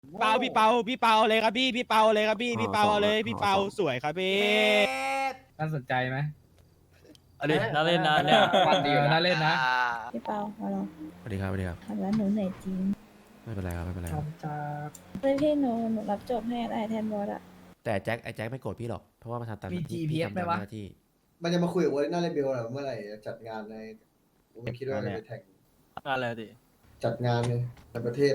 เปาพี่เปาเลยครับพี่เปาเลยครับพี่เปาเลยพี่เปาสวยครับพี่น่าสนใจไหมอันนี้น่าเล่นนะเนี่ยมันดีน่าเล่นนะพี่เปาฮัลโหลสวัสดีครับสวัสดีครับครับแล้วหนูเหนื่อยจริงไม่เป็นไรครับไม่เป็นไรครับเพื่อนพี่หนูรับจบให้ได้แทนบอสอะแต่ไอ้แจ็คไม่โกรธพี่หรอกเพราะว่ามันทำตามหมีน้าที่ GPS พี่ไหมทำตามวะหน้าที่มันจะมาคุยกับวอลเลนน่าเลเบลเหรอเมื่อไหร่จะจัดงานในกูไม่คิดว่าจะไปแข่งอะไรดิจัดงานเลยในประเทศ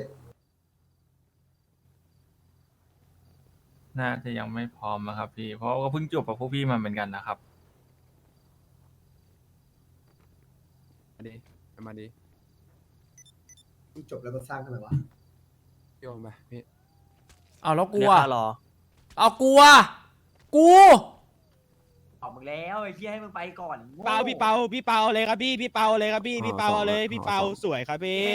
น่าจะยังไม่พร้อมนะครับพี่ เพราะก็เพิ่งจบกับพวกพี่มาเหมือนกันนะครับมาดิมาดิจบแล้วมาสร้างทำไมวะโยมไปพี่เอาแล้วกูเนี่ยอ่ะค่ารอเอากูอ่ะกูออกมึงแล้วไอ้เหี้ยให้มึงไปก่อนเปาพี่เปาเลยครับพี่เปาเลยครับพี่เปาเลยพี่เปาสวยครับพี่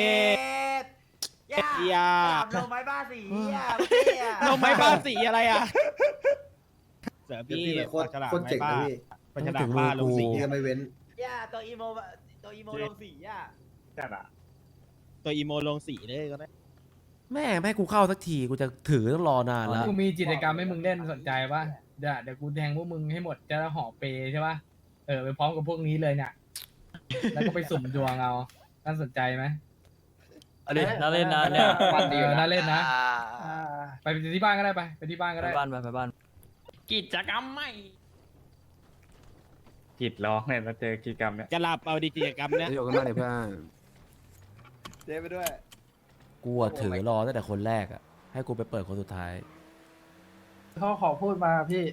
อย่าลงไม้บ้าสีนมไม้บ้าสีอะไรอ่ะเสือเดี๋ยวพี่พี่เป็นโคตรปากฉลามโคตรเจ๋งไม้นะบ้าพี่ปากฉลามบ้าลงสีพี่ก็ไม่เว้นย่าตัวอีโมลงสีอ่ะจัดอ่ะตัวอีโมลงสีเลยก็ได้แม่ไม่ให้กูเข้าสักทีกูจะถือต้องรอนานแล้วกูมีกิจกรรมให้มึงเล่นสนใจป่ะเดี๋ยวกูแทงพวกมึงให้หมดจะห่อเปใช่ป่ะไปพร้อมกับพวกนี้เลยเนี่ยแล้วก็ไปสุ่มดวงเอาน่าสนใจไหมอันนี้น่าเล่นนะเนี่ยมันดีน่าเล่นนะไปที่บ้านก็ได้ไปที่บ้านก็ไปได้บ้านไปบ้านกิจกรรมใหม่กิดร้องเนี่ยมาเจอกิจกรรมเนี่ยจะหลับเอาดีกิจกรรมเนี้ยโยมกันมาเลยเพื่อนเจ๊ไปด้วยกูอะถือรอตั้งแต่คนแรกอ่ะให้กูไปเปิดคนสุดท้ายเขาขอพูดมาพี่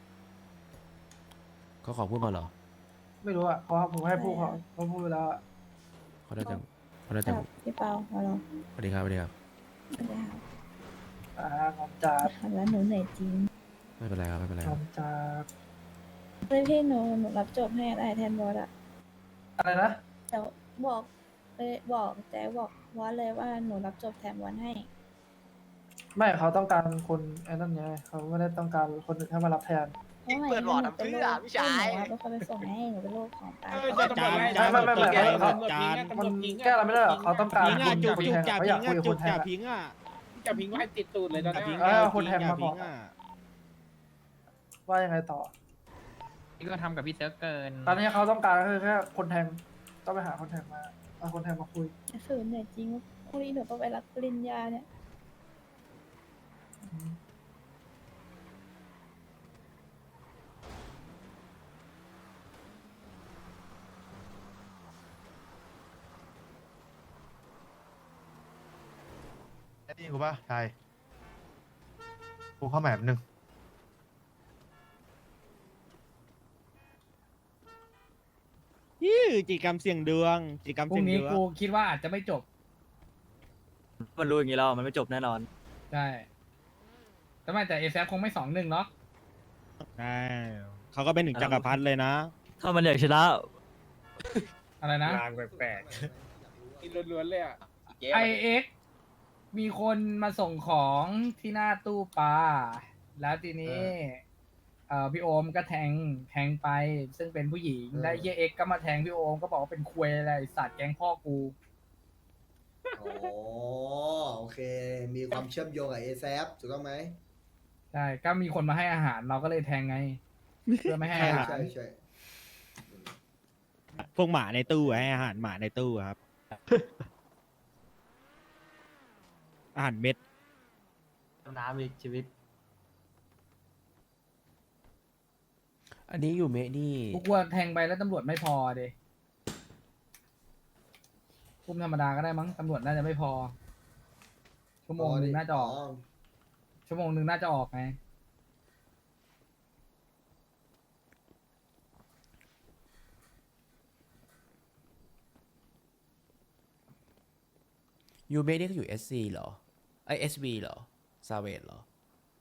เขาขอพูดมาเหรอไม่รู้อ่ะเขาผมให้พูดเขาพูดไปแล้วอะเขาได้จังเขาได้คจังรับพี่เปาฮัลโหลสวัสดีครับสวัสดีครับสวัสดีครับผมจัดครับแล้วหนูเหนื่อยจริงไม่เป็นไรครับไม่เป็นไรผครับมจัดเพื่อนพี่หนูรับจบให้ได้แทนบอสอะอะไรนะเดี๋ยวบอกแจ๊บอกบอสเลยว่าหนูรับจบแทนบอสให้ไม่เขาต้องการคนไอ้นั่นไงเขาไม่ได้ต้องการคนอื่นให้มารับแทนเปิดบอร์ดเพื่อพี่ชายหนูเป็นคนไปส่งให้หนูเป็นลูกของตาจานไม่จานจานมันแก้อะไรไม่ได้หรอกเขาต้องการพิงคอ่ะนจุกคนจุกแทงจับเขาพิอยาง กคุอ่ะยกับจุคกนแทจังบพิงอ่ะจะพิงไว้ติดตูดเลยตอนนี้พิงคนแทงมาบอกอ่ะว่ายังไงต่อนี่ก็ทำกับพี่เซิร์ฟเกินตอนนี้เขาต้องการคือแค่คนแทงต้องไปหาคนแทงมาเอาคนแทงมาคุยฝืนเหนื่อยจริงพรุ่งนี้หนูต้องไปรับปริญญาเนี่ยนี่กูป่ะใช่กูเข้าแมปนึงกิจกรรมเสี่ยงดวงกิจกรรมพรุ่เสี่ยงงนี้ดวงกูคิดว่าอาจจะไม่จบมันรู้อย่างนี้แล้วมันไม่จบแน่นอนใช่แต่ไม่แต่เอซคงไม่2-1เนาะใช่เขาก็เป็นถึงจักรพรรดิเลยนะถ้ามันอยากชนะอะไรนะลางแปลกกินล้วนๆเลยอ่ะไอเอ็กมีคนมาส่งของที่หน้าตู้ปลาแล้วทีนี้พี่โอมก็แทงไป ซึ่งเป็นผู้หญิงและเฮียเอ็กก็มาแทงพี่โอมก็บอกว่าเป็นควยอะไรสัตว์แกงพ่อกูอ๋อโอเค มีความเชื่อมโยงกับเอแซฟถูกต้องไหมใช่ก็มีคนมาให้อาหารเราก็เลยแทงไง เพื่อไม่ให้อาหารใช่ใช่พวกหมาในตู้ให้อาหารหมาในตู้ครับ อาหารเม็ดน้ำอีกชีวิตอันนี้อยู่เมะนี่กูกลัวแทงไปแล้วตำรวจไม่พอเดยคุมธรรมดาก็ได้มั้งตำรวจน่าจะไม่พอ ชั่วโมงหนึงน่าจะออก ชั่วโมงหนึ่งน่าจะออกไงยูเมะนี่ก็อยู่ SC เหรอไอ SV เหรอซาเวดเหรอ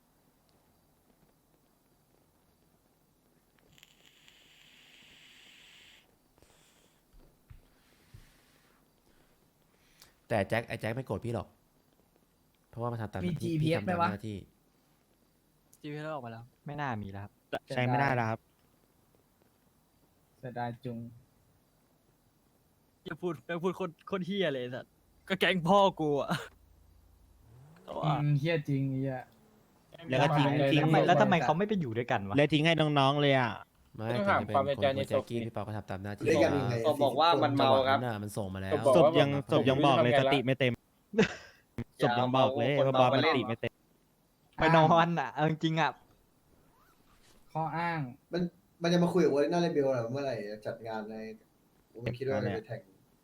แต่ไอ้แจ็คไม่โกรธพี่หรอกเพราะว่ามันทำตามหมีน้าที่ GPS พี่ทำไหมตามวะหน้าที่จีพีแล้วออกมาแล้วไม่น่ามีแล้วครับใช้ไม่ได้แล้วครับเสียดายจุงอย่าพูดคนเฮียเลยสัตว์ก็แก๊งพ่อกูอ่ะเฮี้ยจริงไอ้เหี้ยแล้วก็ทิ้งแล้วทำไมเขาไม่ไปอยู่ด้วยกันวะแล้วทิ้งให้น้องๆเลยอ่ะไม่ถึงจะเป็นคนของแจ็คกี้พี่เปาก็ทำตามหน้าที่เรียกกันยังไงก็บอกว่ามันเมาครับน่ะมันส่งมาแล้วศพยังบอกเลยสติไม่เต็มศพยังบอกเลยว่าบอสมันสติไม่เต็มไปนอนอ่ะเอาจริงๆอ่ะข้ออ้างมันจะมาคุยกับโอลิน่าเลเบลเหรอเมื่อไหร่จะจัดงานในผมไม่คิดว่าจะไปแท็ก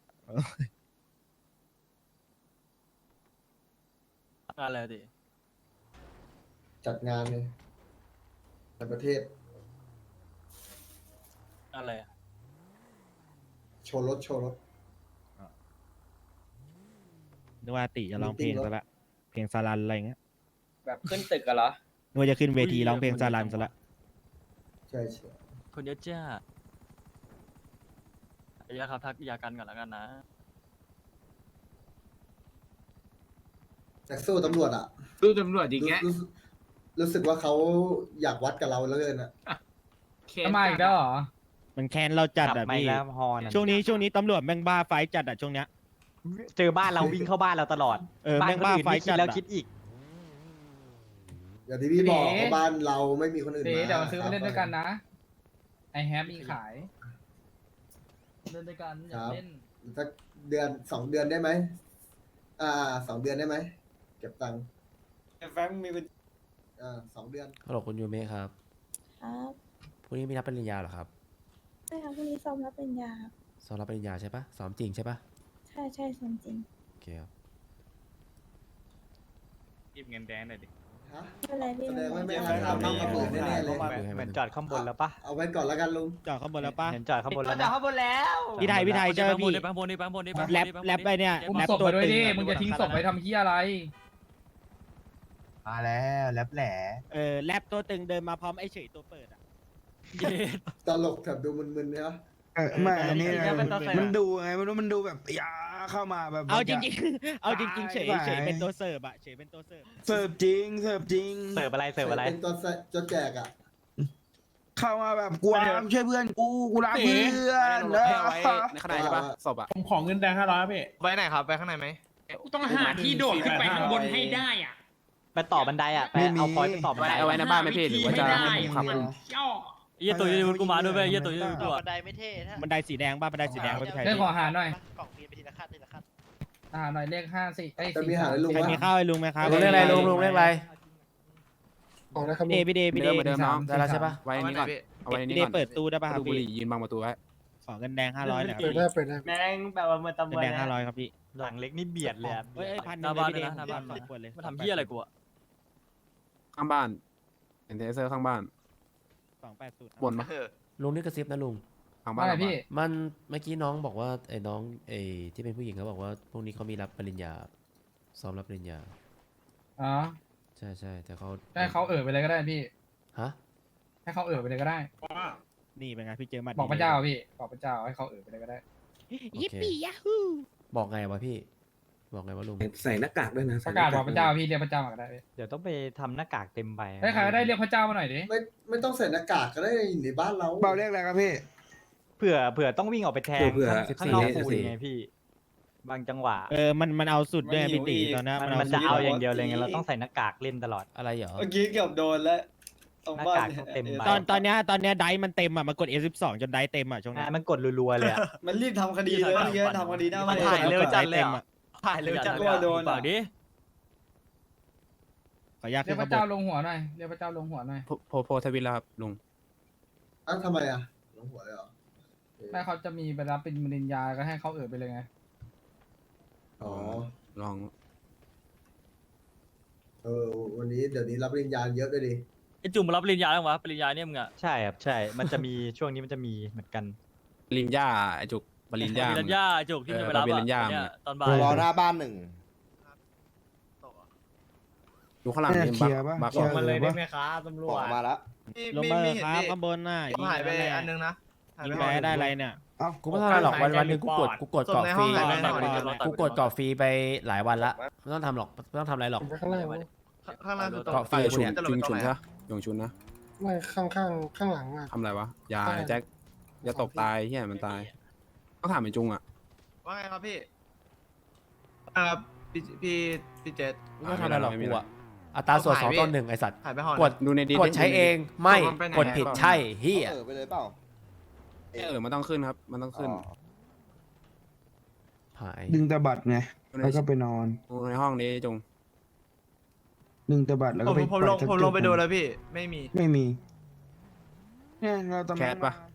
อะไรดิจัดงานเลยในประเทศอะไรอะโชว์รถนึกว่าติจะร้องเพลงซะละเพลงซาลันอะไรเงี้ยแบบขึ้นตึกกันเหรอนึกว่าจะขึ้นเวทีร้องเพลงซาลันซะละใช่ใช่คนเยอะจ้าอย่าครับทักยากันก่อนแล้วกันนะแต่สู้ตำรวจอ่ะสู้ตำรวจอีกแกรู้สึกว่าเขาอยากวัดกับเราแล้วเกินอ่ะทำไมอีกแล้วเหรอมันแค้นเราจัดอ่ะไม่พี่แล้วพอนะช่วงนี้ตำรวจแม่งบ้าไฟจัดอ่ะช่วงเนี้ยเจอบ้านเราวิ่งเข้าบ้านเราตลอดแม่งบ้าไฟคิจัดดแล้วอะคิดอีกอย่างที่พี่บอกว่าบ้านเราไม่มีคนอื่นเดี๋ยวมาเดี๋ยวมาซื้อมาเล่นด้วยกันนะ ไอแฮปมีขาย เล่นด้วยกันอยากเล่นสัก2 เดือนได้ไหม2 เดือนได้ไหมเก็บตังค์แฟงมีเป็น 2 เดือนฮัลโหลคุณยูเมะครับครับพรุ่งนี้มีรับปริญญาเหรอครับใช่ครับพรุ่งนี้ซ้อมรับปริญญาครับซ้อมรับปริญญาใช่ปะซ้อมจริงใช่ปะใช่ใช่ซ้อมจริงโอเคครับหยิบเงินแดงหน่อยดิฮะไม่เป็นไรพี่แสดงว่าไม่ไม่เป็นไรทำน้องกระปืนแน่ๆเลยเหมือนจอดข้างบนแล้วปะเอาไว้ก่อนแล้วกันลุงจอดข้างบนแล้วป่ะเห็นจอดข้างบนแล้วจอดนะข้างบนแล้วพี่ไทยเจอพี่บางบนนี่แรปไปเนี่ยอุ้มแรปศพตัวไปด้วยตึงดิอะมึงจะทิ้งศพไปทำเฮียอะไรมาแล้วแลบแหล่แรปตัวตึงเดินมาพร้อมไอ้เฉยตัวเปิดอ่ะตลกแบบดูมึนๆเนี่ยไม่อันนี้มันดูไงไม่รู้มันดูแบบยาเข้ามาแบบเอาจริงๆเอาจริงๆเฉยเป็นตัวเสิร์ฟอ่ะเฉยเป็นตัวเสิร์ฟเสิร์ฟจริงเสิร์ฟอะไรเสิร์ฟอะไรเป็นตัวแจกอ่ะเข้ามาแบบกูช่วยเพื่อนกูรักเพื่อนในขณะใช่ปะศพอ่ะผมขอเงินแดง500พี่ไว้ไหนครับ ไปข้างในไหมต้องหาที่โดดขึ้นไปข้างบนให้ได้อ่ะไปต่อบันไดอ่ะไปเอาพอยต์ไปต่อบันไดเอาไว้ในบ้านไหมพี่หรือว่าจะให้ผมขับเยี่ยตุ๋ยยูนกูมาด้วยเว้ยเยี่ยตุ๋ยยูนกูอ่ะบันไดไม่เท่ถ้าบันไดสีแดงป่ะบันไดสีแดงป่ะพี่ไทยเรียกขออาหารหน่อยกล่องมีไปทีละขั้นทีละขั้นอาหารหน่อยเลข54ไอ้จะมีหาให้ลุงใครว่ามีข้าวให้ลุงไหมครับลุงเรียกอะไรลุงเรียกอะไรพี่เดย์เหมือนเดิมครับได้แล้วใช่ปะไว้ในนี้ก่อน เอาไว้ในพี่นี้เดก่อนย์เปิดตู้ได้ป่ะครับดูบุหพี่รี่ยืนบังประตูไว้ขอเงินแดง500หน่อยครับพี่แม่งแบบว่าเมื่อตำเงิรวน จแดง500ครับพี่หลังเล็กนี่เบียดเลยอ่ะเฮ้ยพันหหนึ่น้างเลบ้าย นพี่เลยเดนะย์หน้าบ้านสองขวดเลยมาทำเหี้ยอะไรกูอ่ะข้างบ้านเห็นเทเซอร์ข้างบ้าน 280 บนปะลุงนี่กระซิบนะลุงข้างบ้าว่าน อะไรพี่มันเมื่อกี้น้องบอกว่าไอ้น้องไอ้ที่เป็นผู้หญิงเขาบอกว่าพวกนี้เขามีรับปริญญาซ้อมรับปริญญาอ๋อใช่แต่เขาให้เขาไปเลยก็ได้พี่ฮะให้เขาไปเลยก็ได้นี่เป็นไงพี่เจอหมัดบอกพระเจ้าพี่บอกพระเจ้าให้เขาไปเลยก็ได้ยิปปี้ยาฮูบอกไงวะพี่ บอกไงวะลุงใส่หน้ากากด้วยนะประกาศบอกพระเจ้าพี่เรียกพระเจ้ามาก็ได้พี่เดี๋ยวต้องไปทำหน้ากากเต็มใบให้ใครก็ได้เรียกพระเจ้ามาหน่อยดิไม่ต้องใส่หน้ากากก็ได้อยู่ในบ้านเราเบาเรียกอะไรครับพี่เผื่อต้องวิ่งออกไปแทงเผื่อข้างนอก 14 ปูนไงพี่ บางจังหวะมันเอาสุดด้วยพี่ตีตอนนั้นมันจะเอาอย่างเดียวเลยไงเราต้องใส่หน้ากากเล่นตลอดอะไรเหรอเมื่อกี้เกือบโดนแล้วหน้ากากต้องเต็มใบตอนเนี้ยไดมันเต็มอ่ะมันกด F12 จนไดเต็มอ่ะช่วงนี้มันกดรัวๆเลยอ่ะมันรีบทำคดีเลยเมื่อกี้ทำคดีหน้ามันถ่ายเร็วจัดเลยอ่ะถ่ายเร็วจัดเลยโดนปากดิขออนุญาตเรียกพระเจ้าลงหัวหน่อยเรียกพระเจ้าลงหัวหน่อยโพทวิตแล้วครับลุงทำไมอ่ะลงหัวเลยเหรอถ้าเขาจะมีไปรับเป็นปริญญาก็ให้เขาไปเลยไงอ๋อลองวันนี้เดี๋ยวนี้รับปริญญาเยอะด้วยดิไอจุ่มรับปริญญาแล้ววะปริญญาเนี่ยมึงอ่ะใช่ครับใช่ มันจะมีช่วงนี้มันจะมีเหมือนกันปริญญาไอจุกปริญญาปริญญาจุกที่จะไปรับปริญญาเนี่ยตอนบ่ายรอหน้าบ้านหนึ่งดูข้างหลังนี่เคลียร์ปะบักเคลียร์มาเลยได้ไหมครับตำรวจมาแล้วลงมาครับข้างบนน่ะหายไปอันนึงนะยิงไปได้อะไรเนี่ยเอ้ากูไม่เท่าไรหรอกวันหนึ่งกูกดเกาะฟรีส่งในห้องไหนหน่อยกูกดเกาะฟรีไปหลายวันละไม่ต้องทำหรอกไม่ต้องทำอะไรหรอกข้างล่างวะข้างล่างคือตรงเกาะฟรีชุนเนี่ยชุนใช่ปะยงชุนนะไม่ข้างหลังอ่ะทำอะไรวะอย่าแจ็คอย่าตกตายเฮียมันตายต้องถามไอ้จุงอ่ะว่าไงครับพี่พี่เจษไม่ทำอะไรหรอกกูอะอัตราส่วนเอา 2 หายต่อพี่ 1ไอสัตว์หายไปห่อกดดูในดีกดใช้เองไม่มันไปไหนกดผิดใช่เฮียไปเลยเปล่ามันต้องขึ้นครับ มันต้องขึ้นหายดึงตะบัดไง แล้วก็ไปนอนดูในห้องนี้จงดึงตะบัดแล้วผก็มไปผมลงไปดูแล้วพี่ ไม่มีไม่มีเนี่ยเราตำแคสปะมา